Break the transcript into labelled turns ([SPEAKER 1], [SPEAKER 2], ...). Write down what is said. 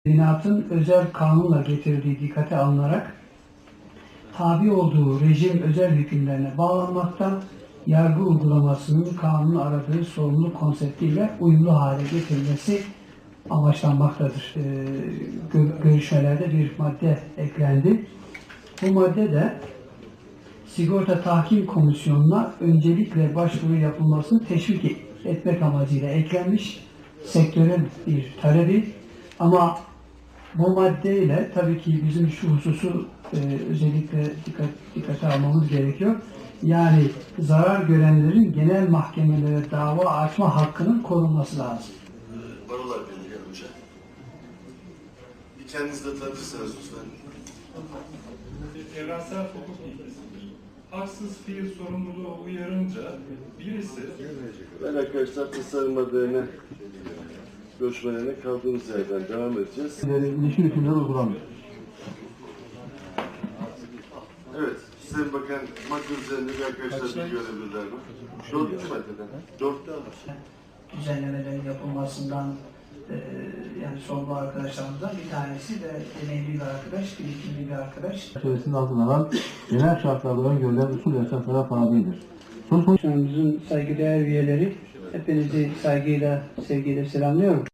[SPEAKER 1] Teminatın özel kanunla getirdiği dikkate alınarak tabi olduğu rejim özel hükümlerine bağlanmakta, yargı uygulamasının kanunun aradığı sorumluluk konseptiyle uyumlu hale getirilmesi amaçlanmaktadır. Görüşmelerde bir madde eklendi. Bu madde de Sigorta Tahkim Komisyonu'na öncelikle başvuru yapılmasını teşvik etmek amacıyla eklenmiş sektörün bir talebi. Ama bu maddeyle tabii ki bizim şu hususu özellikle dikkate almamız gerekiyor. Yani zarar görenlerin genel mahkemelere dava açma hakkının korunması lazım.
[SPEAKER 2] Barolar Birliği önce. Bir kendinizi de tanıtırsanız lütfen.
[SPEAKER 3] Evrensel hukuk ilkesi. Haksız fiil sorumluluğu uyarınca birisi...
[SPEAKER 2] Ben arkadaşlar tasarım adayına görüşmelerine kaldığımız yerden devam edeceğiz.
[SPEAKER 4] İlişkin hükümleri uygulanmıyor.
[SPEAKER 2] Evet, Sayın Bakan, madde üzerinde bir arkadaşlar bir görebilirler mi? Dördüncü maddeden. Dörtte alır.
[SPEAKER 1] Düzenlemelerin yapılmasından yani sorumlu arkadaşlarımızdan bir tanesi de deneyimli bir arkadaş, birikimli bir arkadaş.
[SPEAKER 4] Çerçevesinde altına alan genel şartlarda öngörülen usul ve esaslara tabidir.
[SPEAKER 1] Komisyonumuzun saygıdeğer üyeleri, hepinizi saygıyla, sevgiyle selamlıyorum.